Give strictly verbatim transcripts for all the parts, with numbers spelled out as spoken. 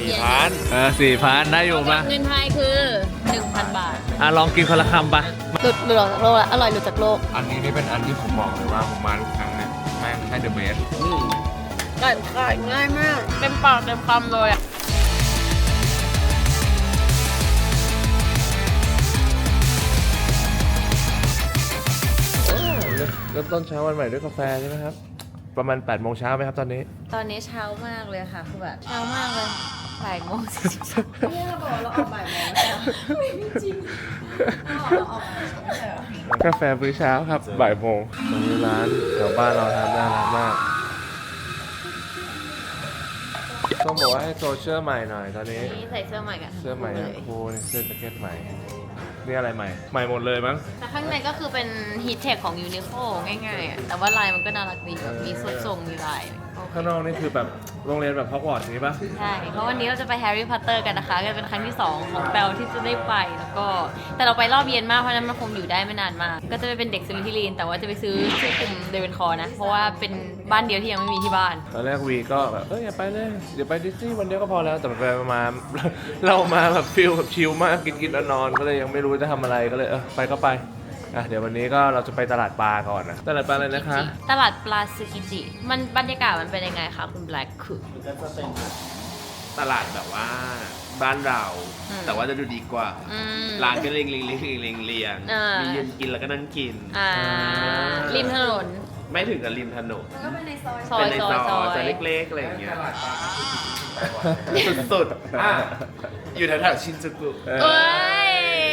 สี่พันเออสี่พันได้อยู่ปะเงินไทยคือหนึ่งพันบาทอ่ะลองกินคนละคำปะหลุดหลุดจากโลกอร่อยหลุดจากโลกอันนี้นี่เป็นอันที่ผมบอกเลยว่าผมมาทุกครั้งเนี่ยแม่งให้เดอะเบสกัดกัดง่ายมากเต็มปากเต็มคำเลยอ่ะเริ่มต้นเช้าวันใหม่ด้วยกาแฟใช่ไหมครับประมาณแปดโมงเช้าไหมครับตอนนี้ตอนนี้เช้ามากเลยค่ะคือแบบเช้ามากเลยบ่ายโมงสี่สิบสามเนี่ยเราบอกเราออกบ่ายโมงแล้วไม่จริงเราออกบ่ายโมงแล้วกาแฟมื้อเช้าครับบ่ายโมงตรงนี้ร้านแถวบ้านเราทำน่ารักมากต้องบอกว่าให้โซเชียลใหม่หน่อยตอนนี้นี่ใส่เสื้อใหม่กันเสื้อใหม่นะโอ้โหนี่เสื้อแจ็คเก็ตใหม่นี่อะไรใหม่ใหม่หมดเลยมั้งแต่ข้างในก็คือเป็นฮีทเทคของยูนิโคง่ายๆอ่ะแต่ว่าลายมันก็น่ารักดีแบบมีสุดทรงมีลายข้างนอกนี่คือแบบโรงเรียนแบบฮอกวอตส์อย่างนี้ปะใช่เพราะวันนี้เราจะไปแฮร์รี่พอตเตอร์กันนะคะก็เป็นครั้งที่สองของแปลที่จะได้ไปแล้วก็แต่เราไปรอบเย็นมากเพราะนั้นมันคงอยู่ได้ไม่นานมากก็จะไปเป็นเด็กสลิธีรินแต่ว่าจะไปซื้อชื่อกลุ่มเดวินคอร์นะเพราะว่าเป็นบ้านเดียวที่ยังไม่มีที่บ้านตอนแรกวีก็แบบเอออย่าไปเลยเดี๋ยวไปดิสนีย์วันเดียวก็พอแล้วแต่ไปมา เรามาแบบฟิลแบบชิลมากกินกินนอนๆก็เลยยังไม่รู้จะทำอะไรก็เลยเออไปก็ไปอ่ะเดี๋ยววันนี้ก็เราจะไปตลาดปลาก่อนนะตลาดปลาอะไรนะคะตลาดปลาซึกิจิมันบรรยากาศมันเป็นยังไงคะคุณแบล็คคือก็จะเป็นตลาดแบบว่าบ้านเราอืมแต่ว่าจะดูดีกว่าอืมร้านก็เรียงเรียงเรียงเรียงเรียงเรียงอ่ามีมียืนกินแล้วก็นั่งกินอ่าริมถนนไม่ถึงกับริมถนนซอเป็ยนในซซออย ยซอยจะเล็กๆอะไรอย่างเงี้ยสุดๆอ่ะอยู่แถวๆชินจูกุเอ้ย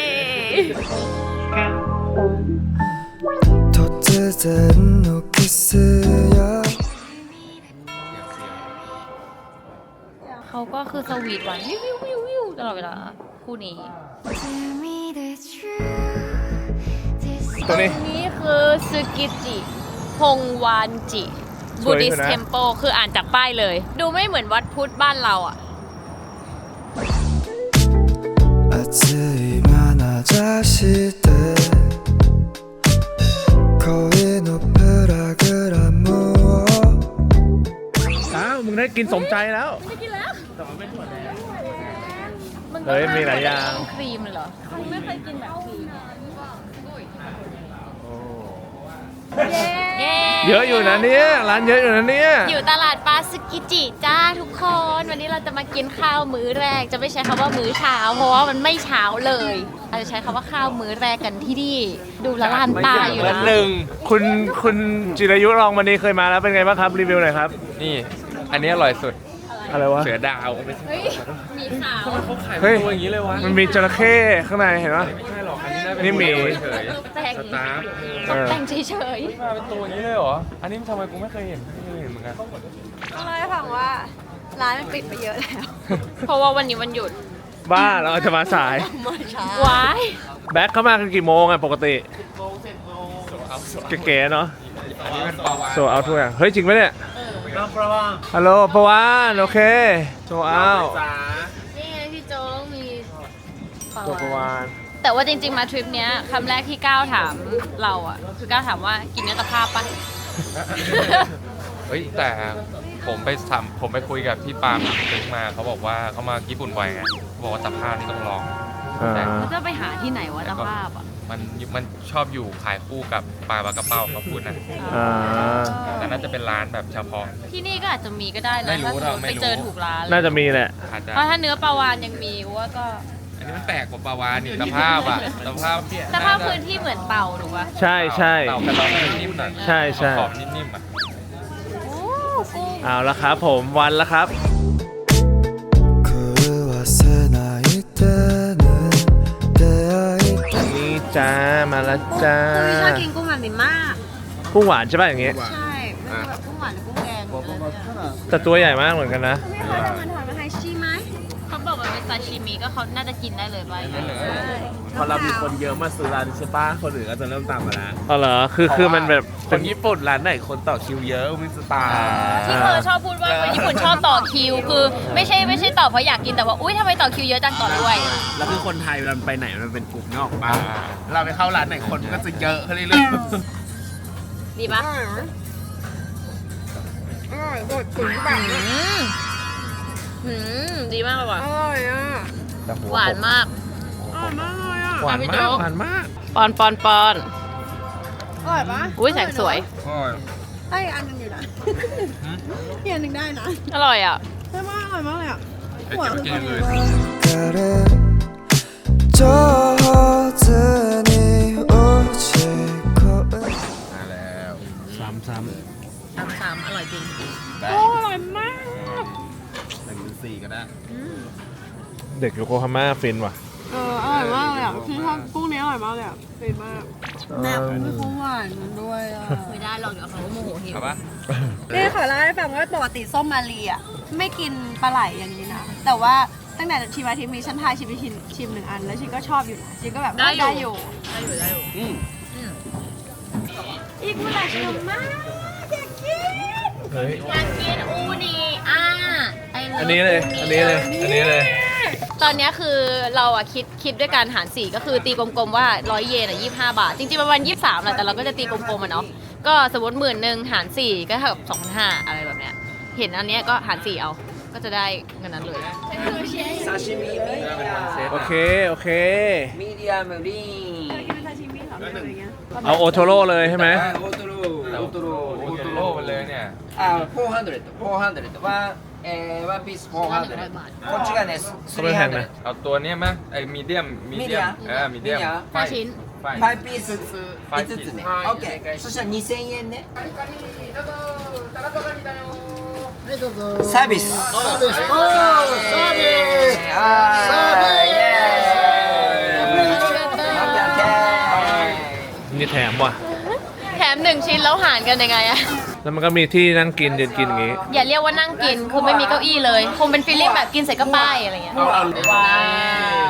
突然のキスやเขาก็คือสวีทหวานวิววิววิววิวตลอดเวลาคู่นี้ตรงนี้นี้คือซึกิจิฮงวานจิสบูวยดิอยู่สนะเทม p ปคืออ่านจากป้ายเลย ดูไม่เหมือนวัดพุทธบ้านเราอ่ะ熱い眼差しで恋のプログラムをอ้าวมึงได้กินสมใจแล้วไม่กินแล้วเฮ้ยมีหลายอย่างครีมเหรอไม่เคยกินแบบครีมเย้เยอะอยู่นะเนี่ยร้านเยอะอยู่นะเนี่ยอยู่ตลาดปลาซึกิจิจ้าทุกคน วันนี้เราจะมากินข้าวมื้อแรกจะไม่ใช้คำว่ามื้อเช้าเพราะว่ามันไม่เช้าเลยเราจะใช้คำว่าข้าวมื้อแรกกันที่นี่ดูละลานตาอยู่วันะนหนึ่งคุณคุณจิรายุรองวันนี้เคยมาแล้วเป็นไงบ้างครับรีวิวหน่อยครับนี่ อันนี้อร่อยสุดอะไรวะเสือดาวไม่ใช่เฮ้ยมีขาวเขาขายเฮ้ยตัวอย่างนี้เลยวะมันมีจระเข้ข้างในเห็นปะไม่ใช่หรอกอันนี้น่าเป็นนี่หมีเฉยตกแต่งสตาร์ฟเออแต่งเฉยๆมาเป็นตัวอย่างนี้เลยเหรอ อันนี้ทำไมกูไม่เคยเห็นไม่เคยเห็นเหมือนกันต้องเล่าให้ฟังว่าร้านมันปิดไปเยอะแล้วๆเพราะว่าวันนี้วันหยุดบ้าเราจะมาสายมาช้าว้ายแบ็คเข้ามากันกี่โมงอ่ะปกติเก๋ๆเนาะอันนี้เป็นปลาวานโซเอาทุกอย่างเฮ้ยจริงไหมเนี่ยน้ำปลาวานฮัลโหลปะวานโอเคโซเอาจ้านี่ไงพี่โจ๊กมีปลาตัวปะวานวานแต่ว่าจริงๆมาทริปเนี้ยคำแรกที่ก้าวถามเราอ่ะ คือก้าวถามว่ากินเนื้อตะภาพปะเฮ้ยแต่ผมไปทำผมไปคุยกับพี่ปาล์มถึงมาเขาบอกว่าเขามาญี่ปุ่นบ่อยไงเขาบอกว่าตะภาพนี่ต้องลองอ่าเขาจะไปหาที่ไหนวะตะภาพอ่ะมันมันชอบอยู่ขายคู่กับปลาปลากระเป้าเขาพูดนะอ่าแต่น่าจะเป็นร้านแบบเฉพาะที่นี่ก็อาจจะมีก็ได้ไม่นะรู้ถ้าสมมติเราไม่ไปรู้เจอถูกร้านน่าจะมีแหละอาจจะเพราะถ้าเนื้อปลาวานยังมีว่าก็อันนี้มันแปลกกว่าปลาวานนี่ตะภาพอ่ะตะภาพตะภาพพื้นที่เหมือนเต่าถูกปะใช่ใช่เต่ากระดองนิ่มๆหน่อยใช่ใช่ขอบนิ่มๆอ่ะโอ้กุ้งเอาละครับผมวันละครับ狂わせないでね出会いนี่จ้ามาแล้วจ้าคือชอบกินกุ้งแบบนี้มากกุ้งหวานใช่ป่ะอย่างงี้ใช่มันจะแบบกุ้งหวานหรือกุ้งแดงหรืออะไรเนี่ยแต่ตัวใหญ่มากเหมือนกันนะไม่รู้จะมันถอนมาไฮชีไหมเขาบอกมันเป็นซาชิมิก็เขาน่าจะกินได้เลยป่ะพอเรามีคนเยอะมาซื้อร้านใช่ปะคนอื่นก็จะเริ่มตามมาแล้วอ๋อเหรอคือคือมันแบบคเป็นนญี่ปุ่นร้านไหนคนต่อคิวเยอะมิสตาร์ที่เธอชอบพูดว่าคนญี่ปุ่นชอบต่อคิว คือไม่ใช่ไม่ใช่ต่อเพราะอยากกินแต่ว่าอุ้ยทำไมต่อคิวเยอะจังต่อด้วยแล้วคือคนไทยเวลาไปไหนมันเป็นกลุ่มนอกบ้านเราไปเข้าร้านไหนคนก็จะเยอะขึ้นเรื่อยดีปะอร่อยบดถึงแบบอืมหืมดีมากเลยว่ะอร่อยอ่ะแต่หัหวานมากอร่อยมากเลยอ่ะหวานพี่มาโจ๊กกหวานมากปอนปอนปอนอร่อยปะอุ้ยแสงสวยได้อีกอันหนึงอยู่นะอีกอันหนึงได้นะอร่อยอ่ะใช่มากอร่อยมากเลยอ่ะเอ้ยเก็บไว้กินเลย 가래 저 허전히 오직 거은 มาแล้วซ้ำซ้สามสามอร่อยจริงได้อร่อยมากหนึ่งหรือสี่ก็ได้ำเด็กโยโกฮาม่าฟินว่ะเอออร่อยมากเลยอ่ะคือชอบกุ้งนี้อร่อยมากเลยอ่ะเป็นมากแม่ไม่คุ้มหวานมันด้วยอ่ะไม่ได้หรอกเดี๋ยวเขาโมโหหิวเอาปะนี่ขอเล่าให้ฟังว่าปกติส้มมาลีอ่ะไม่กินปลาไหลอย่างนี้นะแต่ว่าตั้งแต่ชิมอาทิตย์มีฉันทายชิมไปชิมชิมหนึ่งอันแล้วชิมก็ชอบอยู่นะชิมก็แบบได้ได้ออยู่ ยู่ได้อยู่ได้อยู่อีกเมื่อไหร่ชิมมากอยากกินเฮ้ยอยากกินอูนีอ่ะไอันนี้เลย อันนี้เลย อันนี้เลยตอนเนี้ยคือเราอะคิดคิดด้วยการหารสี่ก็คือตีกลมๆว่าร้อยเยนอะยี่สิบห้าบาท จริงๆประมาณยี่สิบสามแหละแต่เราก็จะตีกลมๆอะเนาะก็สมมติหมื่นหนึ่งหารสี่ก็เท่ากับสองพันห้าอะไรแบบเนี้ยเห็นอันเนี้ยก็หารสี่เอาก็จะได้เงินนั้นเลยโอเค โอเคミディアムリーンเอาโอโทโร่เลยใช่ไหมオートローオートロโอ้ーオーโหトโลロไปเลยเนี่ยーあフォーハンドレットフォーハンドレットワンえーワンピースフォーハンドレットこっちがねスリーハンドレットเอาตัวเนี้ยมั้ยไอ้มีเดียมมีเดียม medium เออมีเดียม medium ห้าชิ้นไฟファイブピースファイ五つねはいオッケーそしたらにせんえんねサービスサービスおーサービスあーイエーイオッケーオッケーนี่แถมว่ะแถมหนึ่งชิ้นแล้วหารกันยังไงอะแล้วมันก็มีที่นั่งกินยืนกินอย่างงี้อย่าเรียกว่านั่งกินคือไม่มีเก้าอี้เลย คงเป็นฟีลลิ่งแบบกินเสร็จก็ป้ายอะไรเงี้ยว้าว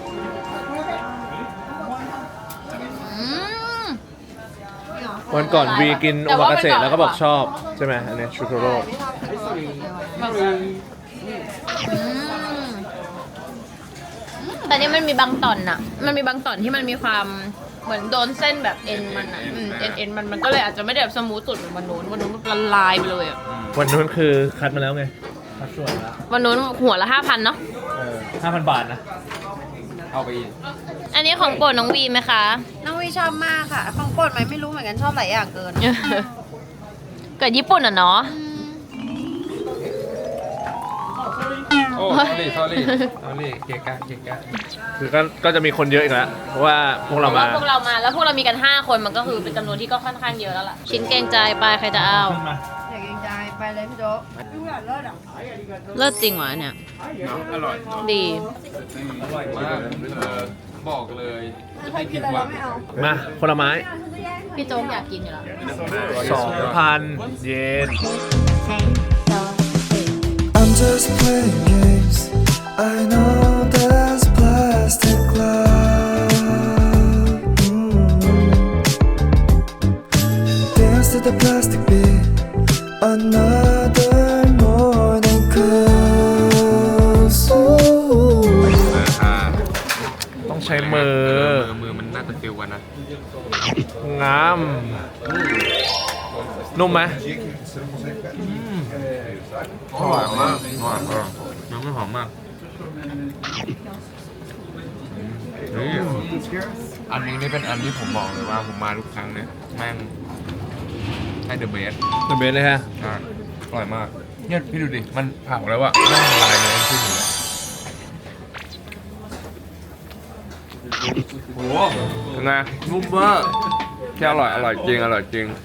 อืมวันก่อนวีกินแต่โอว่ามากาเสะไปก่อนแล้วก็บอกชอบ ใช่ไหมอันนี้ชูโทโร่อืมแต่นี่มันมีบางตอนอะมันมีบางตอนที่มันมีความเหมือนโดนเส้นแบบเอ็นมันอะอืมเอ็นเอ็นมันมันก็เลยอาจจะไม่ได้แบบสมูทสุดเหมือนวันนู้นวันนู้นมันละลายไปเลยอะวันนู้นคือคัดมาแล้วไง คัดส่วนแล้ววันนู้นหัวละห้าพันเนาะเออห้าพันบาทนะเอาไปอีกอันนี้ของโปรดน้องวีไหมคะน้องวีชอบมากค่ะของโปรดไหมไม่รู้เหมือนกันชอบหลายอย่างเกินเกิดญี่ปุ่นอ่ะเนาะโอ้สอรี่สอรี่สอรี่เกะกะเกะกะคือก็ก็จะมีคนเยอะอีกแล้ว เพราะว่าพวกเราเพราะมาว่าพวกเรามาแล้วพวกเรามีกันห้าคนมันก็คือเป็นจำนวนที่ก็ค่อนข้างเยอะแล้วล่ะ ชิ้นเกรงใจไปใครจะเอาขึ้นมาอยากกินใจไปเลยพี่โจ๊กดูแบบเลิศอ่ะเลิศจริงวะเนี่ยอร่อยดีอร่อยมากเออบอกเลยไม่ผิดหวังมาผลไม้พี่โจ๊กอยากกินอยู่แล้วสองพันเยน I'm just playing games. I know there's plastic cloud. Mm. Dance to the plastic beat. Another morning comes. Ooh. อ่าต้องใช้มือมือมือมันน่าจะฟิลกันนะงาม นุ่มไหมหอมมากหอมมากน้ำไม่หอมมากนี่อันนี้นี่เป็นอันที่ผมบอกเลยว่าผมมาทุกครั้งเนี่ยแม่งให้เดอะเบสเป็นเบสเลยฮะอ่ะอร่อยมากเนี่ยพี่ดูดิ มันเผาแล้วอะแม่งละลายเนื้อขึ้นอยู่โอ้โหเป็นไงนุ่มมากแค่อร่อย อร่อยจริง อร่อยจริง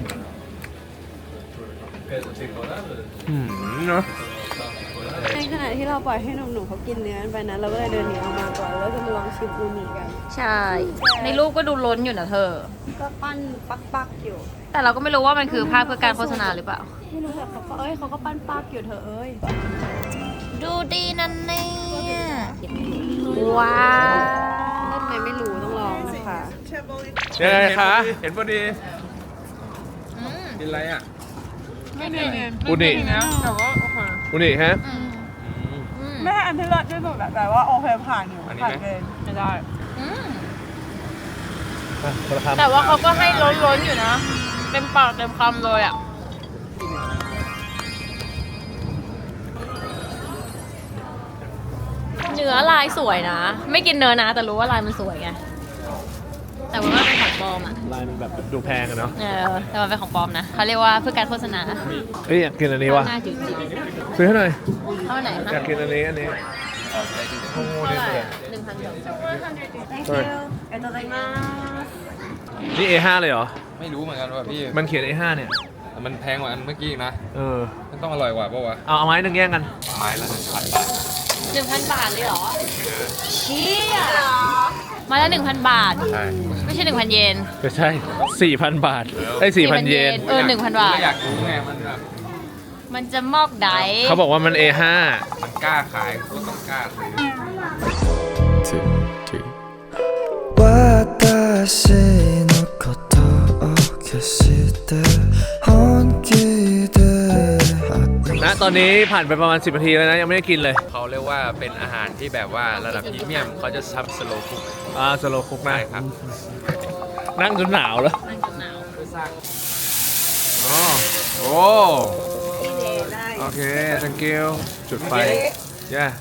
อืมเนาะในขณะที่เราปล่อยให้หนุ่มๆเขากินเนื้อกันไปนะเราก็เลยเดินหนีออกมาก่อนแล้วจะมาลองชิมอูนิกันใช่ ในรูปก็ดูล้นอยู่นะเธอก็ปั้นปักๆอยู่แต่เราก็ไม่รู้ว่ามันคือภาพเพื่อการโฆษณาหรือเปล่าไม่รู้แต่เขาก็เอ้ยเขาก็ปั้นปักอยู่เธอเอ้ยดูดีนั่นเนี่ยว้าวทำไมไม่รู้ต้องลองนะคะยังไงคะเห็นพอดีอืมกินอะไรอ่ะไม่ดีอุนิแต่ว่าโอเคอุนิฮะอืมอืมไม่ใช่อันที่เลิศที่สุดแต่ว่าโอเคผ่านอยู่อันนี้ผ่านไหมเกณฑ์ไม่ได้อืมอ่ะคนละคำแต่ว่าเขาก็ให้ล้นๆอยู่นะ เต็มปากเต็มคำเลยอ่ะนื้อลายสวยนะ ไม่กินเนื้อนะแต่รู้ว่าลายมันสวยไงแต่ว่าเป็นของปลอมอ่ะลายมันแบบดูแพงอะเนาะเออแต่มันเป็นของปลอมนะเขาเรียกว่าเพื่อการโฆษณาเฮ้ยอยากกินอันนี้ว่ะหน้าจืดซื้อให้หน่อยๆเท่าไหร่อยาคะกกินอันนี้อันนี้โอ้โหเท่านี่ไหร่เลยหนึ่งพันสอง thank you ありがとうございますนี่ เอ ห้า เลยเหรอไม่รู้เหมือนกันว่าพี่มันเขียน เอ ห้า เนี่ยมันแพงกว่าอันเมื่อกี้อีกนะเออมันต้องอร่อยกว่าปะวะเอาเอาไม้หนึ่งแย่งกันไม้ละหนึ่งพันบาทหนึ่งพันบาทเลยเหรอเชี่ยมาแล้วหนึ่งพันบาทใช่ไม่ใช่หนึ่งพันเยนก็ใช่ สี่พัน บาทไอ้สี่พันเยนเออหนึ่งพันบาทก็อยากรู้ไงมันแบบมันจะมอกไดเขาบอกว่ามัน เอ ห้ามันกล้าขายก็ต้องกล้าซื้อ私のことを消して本気でณตอนนี้ผ่านไปประมาณสิบนาทีแล้วนะ ยังไม่ได้กินเลยเขาเรียกว่าเป็นอาหารที่แบบว่าระดับพรีเมียมเขาจะทำสโลว์คุกอ่าสโลคุกนะได้ครับนั่งจนหนาวแล้วมันจะหนาวอ๋อโอ้โอเค thank you จุดไฟย่า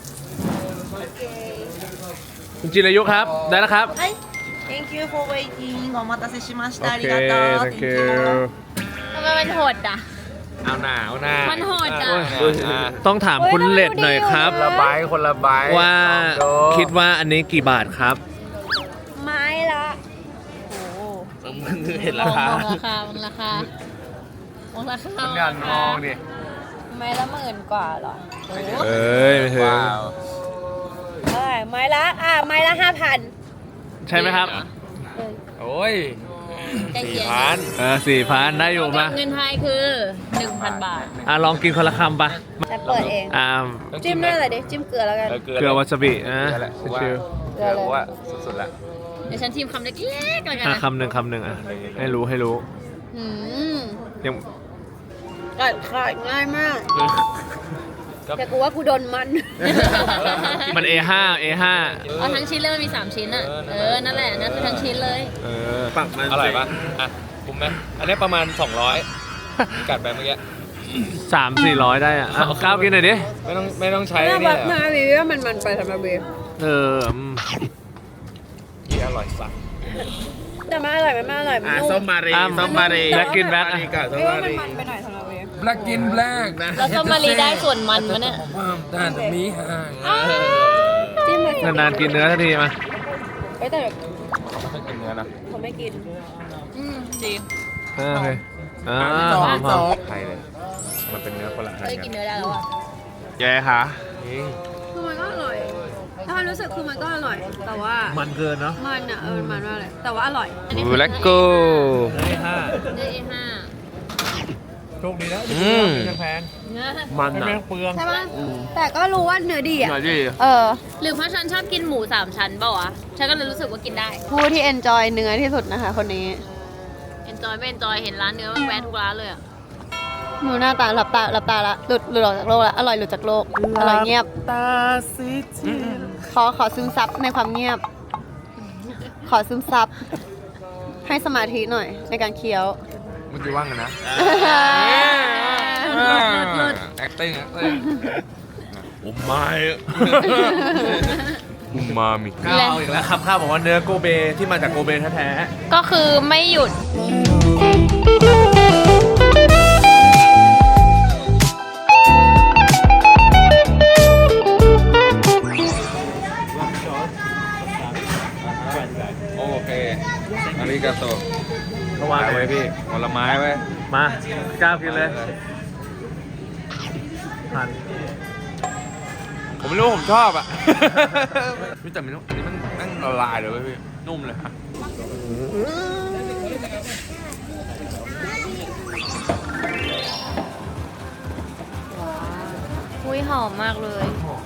คุณจิรายุครับ ได้แล้วครับはい。Thank you for waiting. お待たせしましโอた。あเคりがとう。 thank you ทำไมมันโหดอ่ะเอาหนาเอาหนามันโหดอ่ะโอ้ยต้องถามคุณเลดหน่อยครับละใบคนละใบว่าลองดูคิดว่าอันนี้กี่บาทครับไม้ละเห็นมราองคามองราคามองราคามองราคาคุณยันมองดิไม้ละหมื่นกว่าเหรอเอ้ยไม่ถึงว้าวเท่าไหร่ไม้ละอ่ะไม้ละห้าพันใช่ไหมครับโอ้ยใกล้สี่เคียงพันเออสี่พันได้อยู่มาเงินไทยคือหนึ่งพันบาทอ่ะลองกินคนละคำปะจะเปิดเองอ่าจิ้มด้วยอะไรดิ จิ้มเกลือแล้วกันเกลือวาซาบิอ่ะเกลือแหละกูว่าชิวเกลือกูว่าสุดๆละเดี๋ยวฉันชิมคำเล็กๆแล้วๆกันอ่ะนะคำหนึ่งคำหนึ่งอ่ะให้รู้ให้รู้อืมยังกัดขาดง่ายมาก แต่กูว่ากูโดนมันมัน เอ ห้า เอ ห้าเอาทั้งชิ้นเลยมันมีสามชิ้นอ่ะ เออ นั่นแหละ นั่นคือทั้งชิ้นเลยเออปักมันอร่อยปะอ่ะคุ้มไหมอันนี้ประมาณ สองร้อย กัดไปเมื่อกี้สามสี่ร้อยได้อ่ะเอาก้าวกินหน่อยดิไม่ต้องไม่ต้องใช้หน้านี่แบแหบละหน้าบีว่ามันมันไปสำหรับบีเอออืมที่อร่อยสักแต่มันอร่อยมันไม่อร่อยมันอ่ะนุ่มส้มมารีอ่ะส้มมารีแบล็กกินแบล็กมารีกับส้มไม่ว่ามามันรีมันไปหน่อยสำหรับบีแบล็กกินแบล็กนะแล้วส้มมารีได้ส่วนมันมะเนี่ยความด้านมีหางจิ้มเลยนานๆกินเนื้อสักทีมาเอ้ยแต่แบบไม่กินเนื้อนะเขาไม่กินอืมจริงเออโอเคอ่าสหออง มหสออมงไทยเลย มันเป็นเนื้อคนละอันเฮ้ยกักินนเนื้อได้แล้วอ่ะแกค่ะคือมันก็อร่อย ถ้ามันรู้สึกคือมันก็อร่อย แต่ว่ามันเกินเนาะมันอ่ะเออมันมากเลย แต่ว่าอร่อยอันนี้บูคือแลกโก้เนื้อ เอ ห้าเนื้อ เอ ห้าโชคดีนะอืมแพงเนื้อมันอ่ะเปลืองใช่ปะแต่ก็รู้ว่าเนื้อดีอ่ะหน่อยดิเออหรือเพราะฉันชอบกินหมูสามชั้นเปล่าวะ ฉันก็เลยรู้สึกว่ากินได้ผู้ที่ enjoy เนื้อที่สุดนะคะ คนนี้ enjoy ไม่ enjoy เห็นร้านเนื้อมันแวะทุกร้านเลยอ่ะหนูหน้าตาหลับตาหลับตาละหลุดหลุดออกจากโลกละอร่อยหลุดจากโลกอร่อยเงียบตาซิจิขอขอซึมซับในความเงียบ ขอซึมซับ ให้สมาธิหน่อยในการเคี้ยวเมื่อกี้ว่างกันนะเลิศ acting acting โอ้ไม่อุมามิข้าวเอาอีกแล้วครับข้าวบอกว่าเนื้อโกเบที่มาจากโกเบแท้ก็คือไม่หยุดโอเคอาริกาโตๆก็วางไว้พี่ผลไม้ไว้มาก้าวกินเลยผ่านผมไม่รู้ผมชอบอ่ะ พี่แต่มันอันนี้มันนั่งละลายเลยเว้ยพี่นุ่มเลยอะอุ้ยหอมมากเลย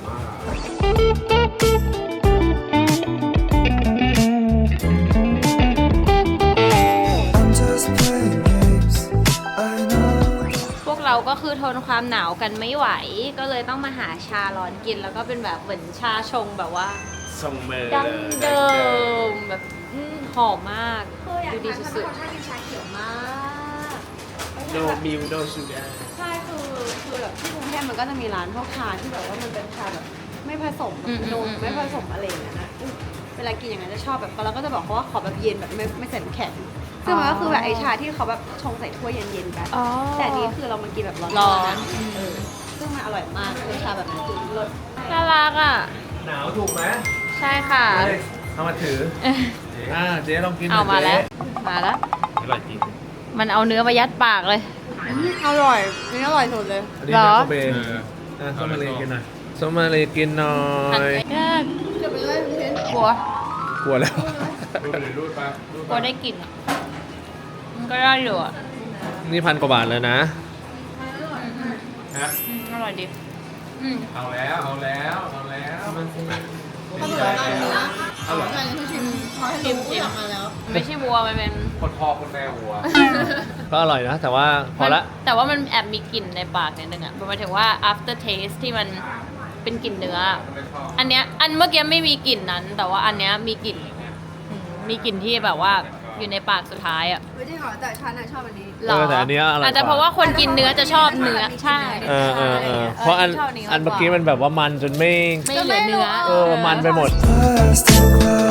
I'm just playing games I know พวกเราก็คือทนความหนาวกันไม่ไหว ก็เลยต้องมาหาชาร้อนกิน แล้วก็เป็นแบบเหมือนชาชงแบบว่าส่งมือดั้งเดิมแบบอืมหอมมาก ดูดีสุดชากินชาเขียวมากโนมิวโนชูกาใช่คือคือแบบที่กรุงเทพมันก็จะมีร้านพวกชาที่แบบว่ามันเป็นชาแบบไม่ผสมอืมนมอืมไม่ผสมอะไรอย่างเงี้ยนะอืมเวลากินอย่างนั้นจะชอบแบบเราก็จะบอกเขาว่าขอแบบเย็นแบบไม่ไม่ใส่น้ำแข็งซึ่งมันก็คือแบบไอชาที่เขาแบบชงใส่ถ้วยเย็นๆกันอ๋อแต่อันนี้คือเรามากินแบบร้อนๆร้อนะนเออซึ่งมันอร่อยมากคือชาแบบนั้นคือรสน่ารักอ่ะหนาวถูกไหมใช่ค่ะเอามาถือ อ่าเจ๊ลองกินหน่เอายมาแล้วเจ๊มาแล้วอร่อยจริงมันเอาเนื้อมายัดปากเลยอืมอร่อยอันนี่อร่อยสุดเลยอันนี้เหรแมอคโครเบย์อ่ะส้มมาเลยกินหน่อยส้มมาเลยกินหน่อหันยไปยากจะไปเลยพี่เชนกลัวกลัวแล้วรูดไปรูดกลัวได้กลิ่นอะมันก็ได้อยู่อ่ะนี่พันกว่าบาทแล้วนะฮะอืมอร่อยดีอืมเอาแล้วเอาแล้วเอาแล้วเขาบอกว่าเนื้ออร่อยที่ชิมเขาให้ดูอยากมาแล้วไม่ใช่วัวมันเป็นคนพ่อคนแม่วัวก็อร่อยนะ แต่ว่าพอละมันแต่ว่ามันแอบมีกลิ่นในปากนิดนึงอ่ะหมายถึงว่า after taste ที่มันเป็นกลิ่นเนื้อ อันเนี้ยอันเมื่อกี้ไม่มีกลิ่นนั้น แต่ว่าอันเนี้ยมีกลิ่นอืมมีกลิ่นที่แบบว่าอยู่ในปากสุดท้ายอ่ะไม่ได้หรอแต่ฉันน่ะชอบอันนี้หรเออแต่อันเนี้ยอร่อยกว่าอาจจะเพราะว่าคนกินเนื้อจะชอบเนื้อใช่เออเออเออเพราะอันชอบนี้มากกว่าอันเมื่อกี้มันแบบว่ามันจนไม่ไม่เหลือเนื้อเออ มันไปหมด plastic cloud.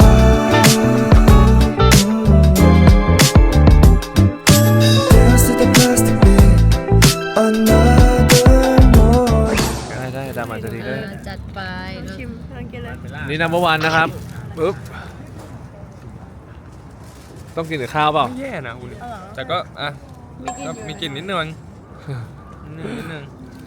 Dance to the plastic beat. Another morning. ได้ได้ตามอันจะดีได้จัดไปชิมลองกินเลยนี่นัมเบอร์วันนะครับปึ๊บ ต้องกินกับข้าวเปล่าไม่แย่นะคุณแต่ก็อ่ะก็มีกลิ่นนิดนึงนิดนึงนิดนึง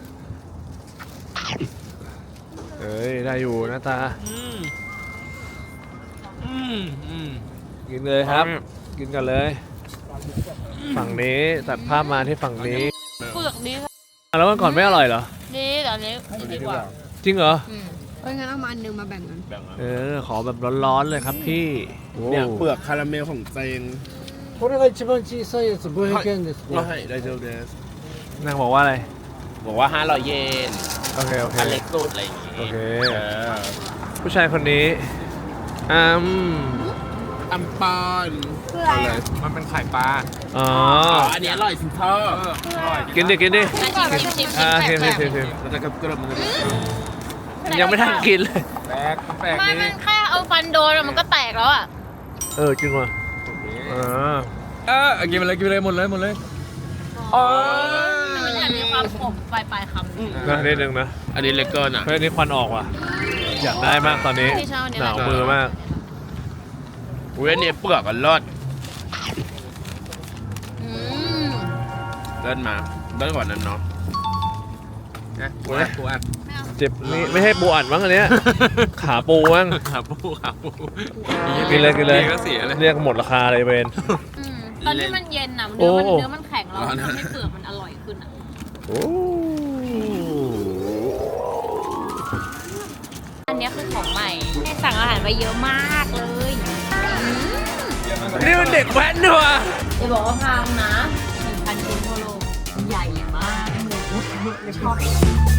เอ้ย ได้อยู่หน้าตาอืมอืมอืมกินเลยครับ กินกันเลย ฝั่งนี้ตัดภาพมาที่ฝั่งนี้เปลือกดีอ่ะแล้วเมื่อก่อนไม่อร่อยเหรอดีแต่อันนี้ดีกว่าจริงเหรออืมเอ้ยงั้นเอามาอันหนึงมาแบ่งกันเออ ขอแบบร้อนๆเลยครับพี่โอ้เนี่ยเปลือกคาราเมลของเจงこれが一番小さいやつごひゃくえんですねเราให้ได้เจอเดสนางบอกว่าอะไรบอกว่าห้าร้อยเยนโอเค โอเคอันเล็กสุดอะไรอย่างงี้โอเคเออผู้ชายคนนี้อืมอัมปอนคืออะไรอ่ะมันเป็นไข่ปลาอ๋ออ๋ออันนี้อร่อยสิเธออร่อยกินดิ กินดิอ่ะชิมชิมชิมอ่าชิชิมมชิมชิมชิมแล้วก็กระมันจะยังไม่ทันกินเลยแปลกแปลกไม่ดีมันแค่เอาฟันโดนอะมันก็แตกแล้วอ่ะเออ จริงว่ะอ่าเออเอากินไปเลยกินไปเลยหมดเลยหมดเลยอ๋อมันจะมีความขมปลายปลายๆคำนะนิดนึงนะอันนี้เล็กเกินอ่ะเฮ้ยอันนี้ควันออกว่ะ อยากได้มากตอนนี้ที่ชอบเนี่ยหนาวมือมากอุ้ยอันนี้เปลือกกันรอดอืมเดินมาเดินกว่านั้นเนาะนะปูอัดปูอัดเจ็บนี่ไม่ให้ปูอัดมั้งอันเนี้ย ขาปูมั้งขาปูขาปูกินเลยกินเลยก็เสียเลยเรียกหมดราคาเลยเวนอืมตอนที่มันเย็นอ่ะเนื้อมันโอ้เนื้อมันแข็งแล้วมันทำให้เปลือกมันอร่อยขึ้นอ่ะโอ้อันเนี้ยคือของใหม่ให้สั่งอาหารไปเยอะมากเลยอืมนี่มันเด็กแว้นด้วยว่ะจะบอกว่าพังนะหนึ่งพันชิ้นทั่วโลกใหญ่มากชอบ